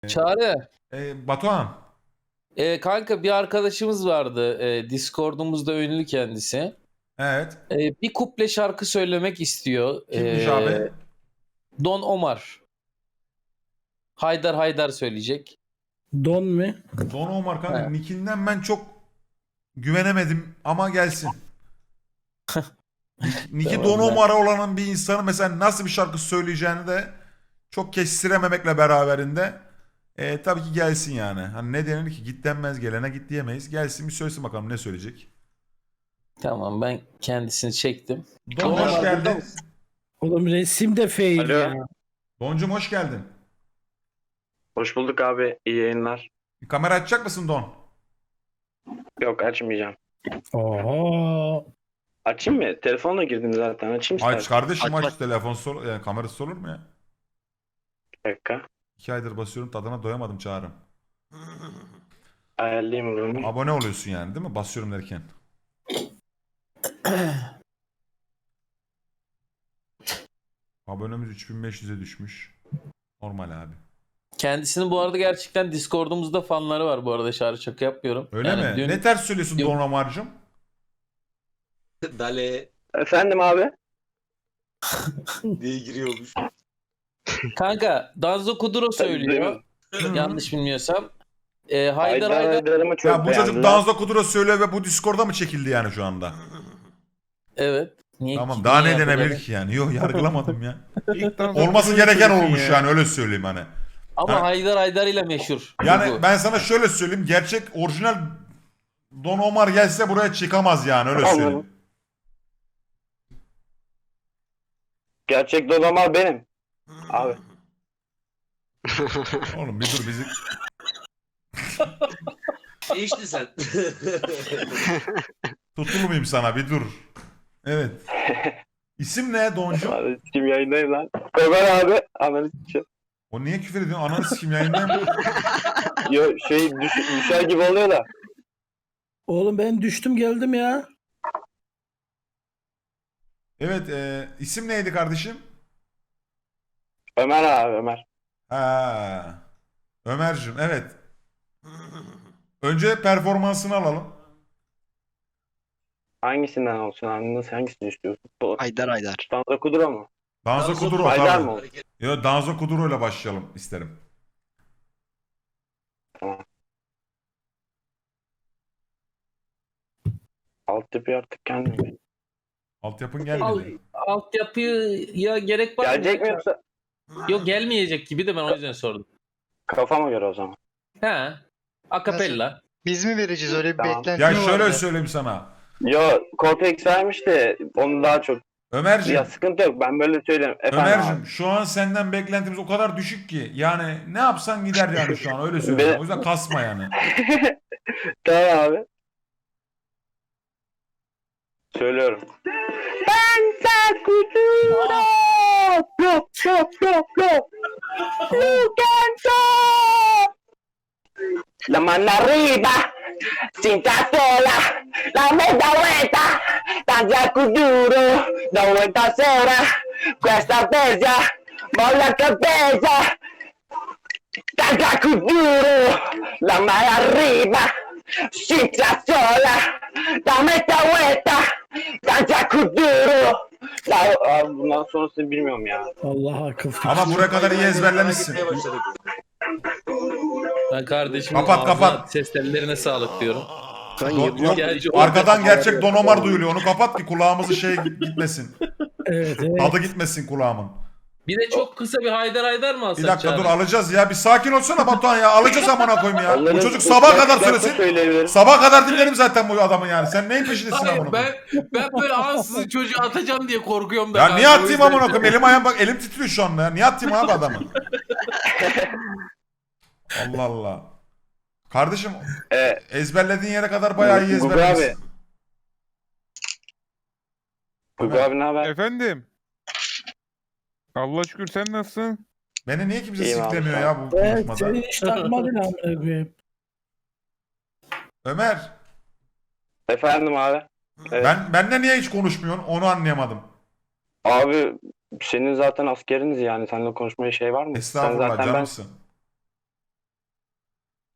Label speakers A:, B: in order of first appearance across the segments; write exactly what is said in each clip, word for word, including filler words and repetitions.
A: Çağrı,
B: E, Batuhan.
A: e, kanka bir arkadaşımız vardı. E, Discord'umuzda ünlü kendisi.
B: Evet.
A: E, bir kuple şarkı söylemek istiyor.
B: Kimmiş
A: E,
B: abi?
A: Don Omar. Haydar Haydar söyleyecek.
C: Don mu?
B: Don Omar kanka.
A: He.
B: Nick'inden ben çok güvenemedim ama gelsin. Nick'i
A: Tamam,
B: Don
A: ben-
B: Omar olan bir insanın mesela nasıl bir şarkı söyleyeceğini de çok kestirememekle beraberinde e, tabii ki gelsin yani. Hani ne denir ki git denmez gelene git diyemeyiz. Gelsin bir söylesin bakalım ne söyleyecek.
A: Tamam, ben kendisini çektim.
B: Don
A: Don
B: hoş
A: Omar burada
B: geldin.
A: mısın?
C: Oğlum resim de fail
D: Alo.
C: ya.
B: Doncum hoş geldin.
D: Hoş bulduk abi. İyi yayınlar.
B: Bir kamera açacak mısın Don?
D: Yok açmayacağım.
C: Oho.
D: Açayım mı? Telefonla girdim zaten. Açayım
B: Aç
D: istersen.
B: kardeşim
D: Aç,
B: aç
D: aç.
B: telefon sol yani kamerası olur mu ya?
D: Bir dakika.
B: İki aydır basıyorum tadına doyamadım Çağrı.
D: Ayarlayayım bunu.
B: Abone oluyorsun yani değil mi? Basıyorum derken. Abonemiz üç bin beş yüze düşmüş. Normal abi.
A: Kendisinin bu arada gerçekten Discord'umuzda fanları var bu arada, şarkı şaka yapmıyorum.
B: Öyle
A: Yani
B: mi?
A: dün-
B: Ne ters söylüyorsun
A: dün-
B: Don Omar'cığım?
E: Dale
D: Efendim abi.
E: diye giriyormuş.
A: Kanka Danzo Kuduro söylüyor. Yanlış bilmiyorsam. E, Haydar
D: Haydar
A: Haydar.
D: Haydar'ımı çok
B: Ya bu çocuk
D: beğendiler.
B: Danzo Kuduro söylüyor ve bu Discord'a mı çekildi yani şu anda?
A: Evet. Niye,
B: Tamam daha
A: niye
B: ne denebilir
A: yapacak?
B: ki yani? Yok yargılamadım ya.
F: İlkten
B: Olması
F: sonra
B: gereken
F: söylüyorsun
B: olmuş
F: ya.
B: yani öyle söyleyeyim hani.
A: Ama
B: Ha.
A: Haydar Haydar ile meşhur.
B: Yani
A: bu.
B: ben sana şöyle söyleyeyim. Gerçek orijinal Don Omar gelse buraya çıkamaz yani öyle
D: Anladım.
B: söyleyeyim.
D: Gerçek Don Omar benim. Abi.
B: Oğlum bir dur bizi...
E: İşte sen.
B: Tutulmayayım sana bir dur. Evet. İsim ne Doncu?
D: Abi kim yayındayım lan? Ömer abi. Analiz için.
B: O niye küfür ediyorsun? Ananı sikim yayındayım.
D: Yo şey düş, düşer gibi oluyor da.
C: Oğlum ben düştüm geldim ya.
B: Evet e, isim neydi kardeşim?
D: Ömer abi Ömer.
B: Ha. Ömer'cim evet. Önce performansını alalım.
D: Hangisinden olsun abi? Nasıl hangisini istiyorsun? Bu
G: Haydar Haydar.
D: Danza Kudura mı?
B: Danzo Kuduro
D: Haydar
B: tabii.
D: mı?
B: Yo, Danzo Kuduro ile başlayalım isterim.
D: Altyapı artık kendim.
B: Altyapın
A: Al,
B: gelmedi.
A: altyapıya gerek var mı?
D: Gelecek mi yoksa?
A: Yok, gelmeyecek gibi de ben o yüzden sordum.
D: Kafama göre o zaman.
A: He. Akapella.
G: Biz mi vereceğiz, öyle bir
D: Tamam.
G: beklenti
B: Ya
G: mi
B: şöyle
G: vardı?
B: söyleyeyim sana.
D: Yo Cortex vermiş de onu daha çok.
B: Ömer'cim,
D: Ya sıkıntı yok ben böyle söyleyeyim. Efendim
B: Ömer'cim
D: abi.
B: şu an senden beklentimiz o kadar düşük ki. Yani ne yapsan gider yani şu an öyle söyleyeyim.
D: Be-
B: O yüzden kasma yani.
D: Tamam abi. Söylüyorum. Danza Kuduro! Go, go, go, go! You can go! La mano arriba, cinta sola, la media vuelta, danza Kuduro, da vuelta sola, questa bella, molla cabeza, danza Kuduro, la mano arriba, cinta sola, la media vuelta, danza Kuduro. Ya abi bundan sonrasını bilmiyorum ya.
C: Allah akıl fikir.
B: Ama buraya kadar iyi ezberlemişsin.
E: Gitmeye başladık.
A: Ben kardeşimin
B: Kapat,
A: ağzına,
B: kapat.
A: ses tellerine sağlık diyorum.
B: Don- yok,
A: Gerçi
B: arkadan gerçek Don Omar duyuluyor. Onu kapat ki kulağımızı şey gitmesin.
C: Evet evet.
B: Tadı gitmesin kulağımın.
A: Bir de çok kısa bir Haydar Haydar mı alsak
B: Bir dakika
A: Çağrı?
B: dur alacağız ya. Bir sakin olsana Batuhan ya. Alacağız amına koyayım ya. Bu
D: Onların
B: çocuk sabaha kadar
D: ıslak
B: söylesin.
D: söyleyebilirim.
B: Sabaha kadar dinlerim zaten bu adamı yani. Sen neyin peşindesin amına
A: Hayır,
B: koyayım?
A: ben ben böyle ansızın çocuğu atacağım diye korkuyorum da.
B: Ya
A: kanka,
B: niye
A: o
B: atayım
A: yüzden-
B: amına koyayım? Elim ayağım bak elim titriyor şu anda ya. Niye atayım abi adamı? Allah Allah. Kardeşim
D: Ee,
B: ezberlediğin yere kadar bayağı iyi
D: Gugu
B: ezberlemişsin.
D: abi. Gugu abi ne haber?
F: Efendim. Allah şükür, sen nasılsın?
B: Beni niye kimse
D: İyiyim abi,
B: siklemiyor
D: sağ
B: ya bu
C: Evet
B: konuşmada?
C: seni hiç takmadın amına koyayım.
B: Ömer,
D: Efendim abi. Evet.
B: ben benle niye hiç konuşmuyorsun? Onu anlayamadım.
D: Abi senin zaten askeriniz yani. Seninle konuşmaya şey var mı? Sen
B: Estağfurullah
D: zaten ben
B: canımsın.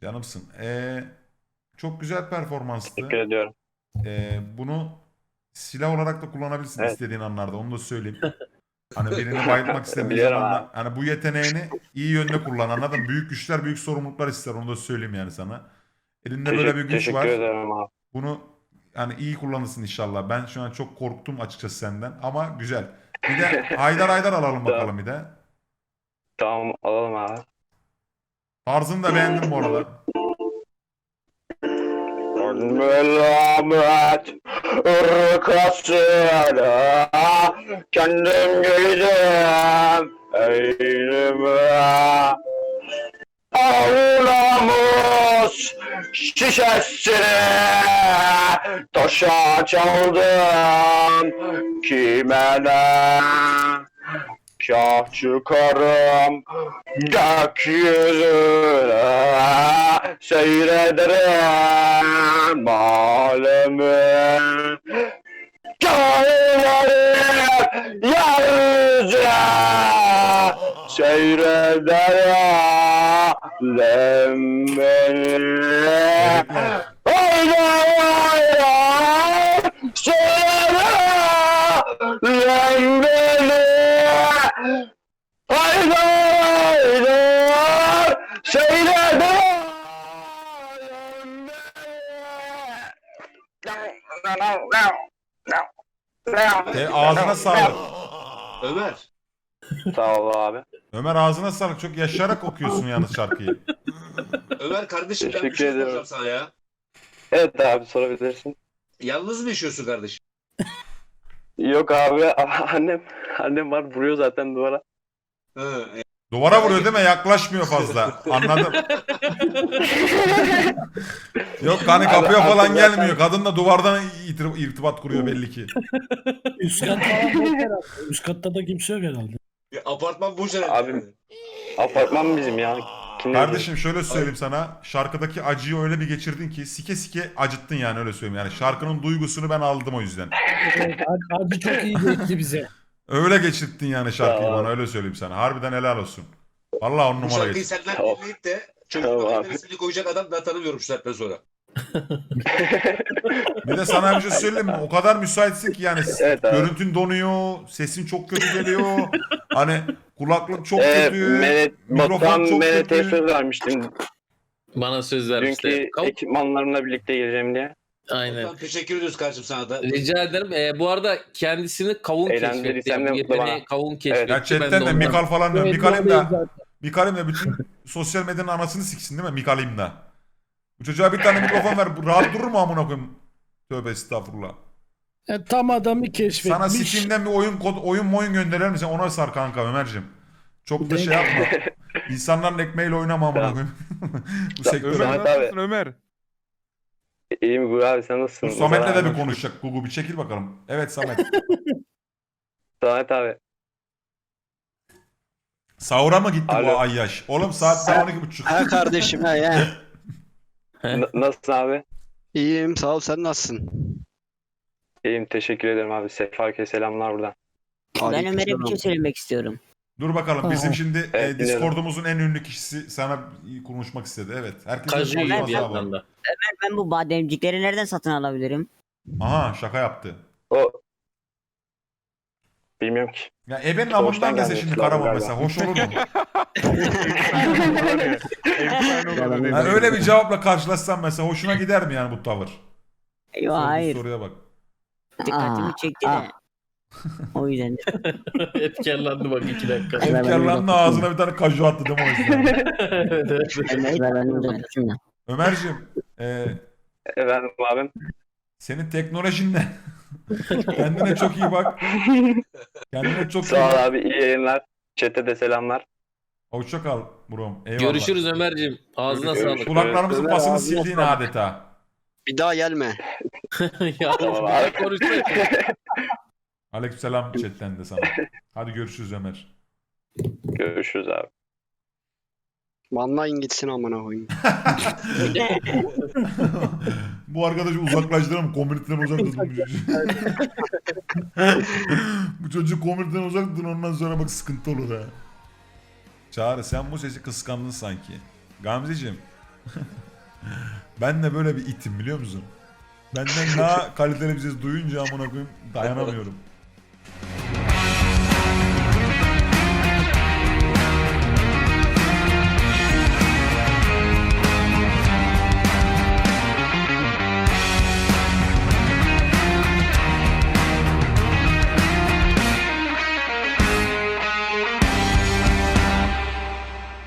B: Canımsın. Ee, çok güzel performanstı.
D: Teşekkür ediyorum.
B: Ee, bunu silah olarak da kullanabilirsin
D: Evet.
B: istediğin anlarda. Onu da söyleyeyim. Hani birini bayıltmak istediğin
D: Biliyorum
B: zaman da
D: abi.
B: hani bu yeteneğini iyi yönde kullan, anladın mı? Büyük güçler büyük sorumluluklar ister. Onu da söyleyeyim yani sana. Elinde böyle bir
D: Teşekkür,
B: güç
D: teşekkür
B: var.
D: ederim abi.
B: Bunu yani iyi kullanırsın inşallah. Ben şu an çok korktum açıkçası senden ama güzel. Bir de Haydar Haydar alalım bakalım bir de.
D: Tamam alalım abi.
B: Tarzını da beğendim bu arada.
D: Melamet ırkasıyla kendim giydim eyleme. Ağlamış şişesini taşa çaldım kime ne? Kah çıkarım gökyüzüne seyrederim alemi. Kainatı yeryüzüne seyrederim beni. Haydi haydi seyrederim beni. Haydi haydi seyrederim
B: E, ağzına sağlık.
E: Ömer.
D: Sağ ol abi.
B: Ömer ağzına sağlık. Çok yaşayarak okuyorsun yalnız şarkıyı.
E: Ömer kardeşim ben bir
D: Teşekkür
E: şey
D: ederim.
E: soracağım sana ya.
D: Evet abi sorabilirsin.
E: Yalnız mı yaşıyorsun kardeşim?
D: Yok abi annem annem var vuruyor zaten duvara.
E: Hı.
B: Duvara vuruyor değil mi? Yaklaşmıyor fazla. Anladım. Yok hani kapıya
D: Abi,
B: falan
D: abi,
B: gelmiyor. Kadın da duvardan irti- irtibat kuruyor belli ki.
C: Üst kat falan boş herhalde. Üst katta da kimse yok herhalde.
E: Ya, apartman boş herhalde.
D: Abi, Apartman bizim ya. Kim
B: Kardeşim şöyle söyleyeyim sana. Şarkıdaki acıyı öyle bir geçirdin ki sike sike acıttın yani, öyle söyleyeyim. Yani şarkının duygusunu ben aldım o yüzden.
C: Evet, Hacı- Hacı çok iyi geçti bize.
B: Öyle geçirttin yani şarkıyı
D: Tamam.
B: bana, öyle söyleyeyim sana. Harbiden helal olsun. Vallahi on
E: Bu
B: numara
E: şarkıyı
B: geçti.
E: senden
D: Tamam.
E: dinleyip de çocuğun
D: Tamam
E: adının
D: abi.
E: ismini koyacak adam ben tanımıyorum şu saatten sonra.
B: Bir de sana bir şey söyleyeyim mi? O kadar müsaitsin ki yani
D: Evet abi.
B: görüntün donuyor, sesin çok kötü geliyor. Hani kulaklık çok
D: Ee,
B: kötü.
D: Menet,
B: mikrofon
D: Batuhan
B: çok
D: Menet'e
B: kötü.
D: söz vermiştim.
A: Bana söz vermişti.
D: Dünkü
A: Kav-
D: ekipmanlarımla birlikte geleceğim diye.
A: Aynen.
E: Tamam, teşekkür ediyoruz kardeşim sana da.
A: Rica ederim. Ee, bu arada kendisini kavun keşfetti.
D: Eğlendirirsem
A: Yani
D: ne
A: bu
D: mutlu
A: yeteneği
D: bana.
A: kavun keşfetti.
B: Ya
A: Ben
B: chatten de
A: ondan-
B: Mikal falan diyor.
C: Evet,
B: Mikalim
C: doğru
B: de
C: zaten.
B: Mikalim de bütün sosyal medyanın anasını siksin değil mi? Mikalim de. Bu çocuğa bir tane mikrofon ver. Bu rahat durur mu amına koyayım? Tövbe estağfurullah.
C: E, tam adamı keşfetmiş.
B: Sana Steam'den bir oyun kod, oyun oyun gönderir misin? Ona sar kanka Ömer'cim. Çok da şey yapma. İnsanların ekmeğiyle oynama amına
D: Tamam.
B: koyayım. Bu
D: Tamam.
B: sektör.
F: Ömer
D: Samet abi.
F: nasılsın Ömer?
D: İyiyim Gugu abi sen nasılsın?
B: Dur Samet'le de bir
D: Samet
B: konuşacak. Gugu bir çekil bakalım. Evet Samet.
D: Samet abi.
B: Sahura mı gitti bu
D: Alo.
B: ayyaş? Oğlum saat daha on iki buçuk.
G: Ha kardeşim ha ya.
D: N- nasılsın abi?
G: İyiyim sağ ol, sen nasılsın?
D: İyiyim teşekkür ederim abi. Sefak'e selamlar buradan.
H: Ben Ömer'e bir
G: Aleykümselam.
H: şey söylemek istiyorum.
B: Dur bakalım bizim
C: Aha.
B: şimdi
D: Evet,
B: e, Discord'umuzun en ünlü kişisi sana konuşmak istedi. Evet. Herkesin
A: Kaju
B: konuşması
A: yiyor bir
B: var.
A: yandan da.
H: Ben bu bademcikleri nereden satın alabilirim?
B: Aha şaka yaptı.
D: O bilmiyorum ki.
B: Ya ebenin
D: Doğuştan
B: amından dese
D: gelmesi
B: şimdi
D: lazım
B: Karaman
D: galiba.
B: mesela. Hoş olur mu?
F: Efsane olur.
B: Yani öyle bir cevapla karşılaşsam mesela hoşuna gider mi yani bu tavır?
H: Yok
B: Sorduğu
H: hayır.
B: soruya bak.
H: Dikkatimi Aa, çekti
C: aa.
H: de. O yüzden.
A: Etkilendi bak iki dakika.
B: Efkarlanın ağzına bir tane kaju attı değil mi o yüzden?
A: Evet, evet.
H: Evet, ben uzatmışım da.
B: Ömerciğim e,
D: Efendim abim.
B: senin teknolojin ne? Kendine çok iyi bak. Kendine çok iyi
D: Sağ ol
B: bak.
D: abi iyi yayınlar. Chat'e de selamlar.
B: Hoşça kal Buram. Eyvallah.
A: Görüşürüz Ömer'ciğim. Ağzına
D: Görüşürüz.
A: sağlık.
B: Kulaklarımızın
G: Ömer
B: pasını
G: ağzına
B: sildiğin
G: sağlık.
B: adeta.
G: Bir daha gelme.
A: Ya
D: Tamam
A: ben
D: abi.
A: konuşmayayım.
B: Aleykümselam chatten de sana. Hadi görüşürüz Ömer.
D: Görüşürüz abi.
G: Banlayın gitsin amına koyayım.
B: Bu arkadaşı uzaklaştıralım. Komüniteden uzak tutun bu çocuğu. Bu çocuğu komüniteden uzak tutun, ondan sonra bak sıkıntı olur ha. Çağrı sen bu sesi kıskandın sanki. Gamzeciğim Ben de böyle bir itim biliyor musun? Benden daha kaliteli bir ses duyunca amına koyayım dayanamıyorum.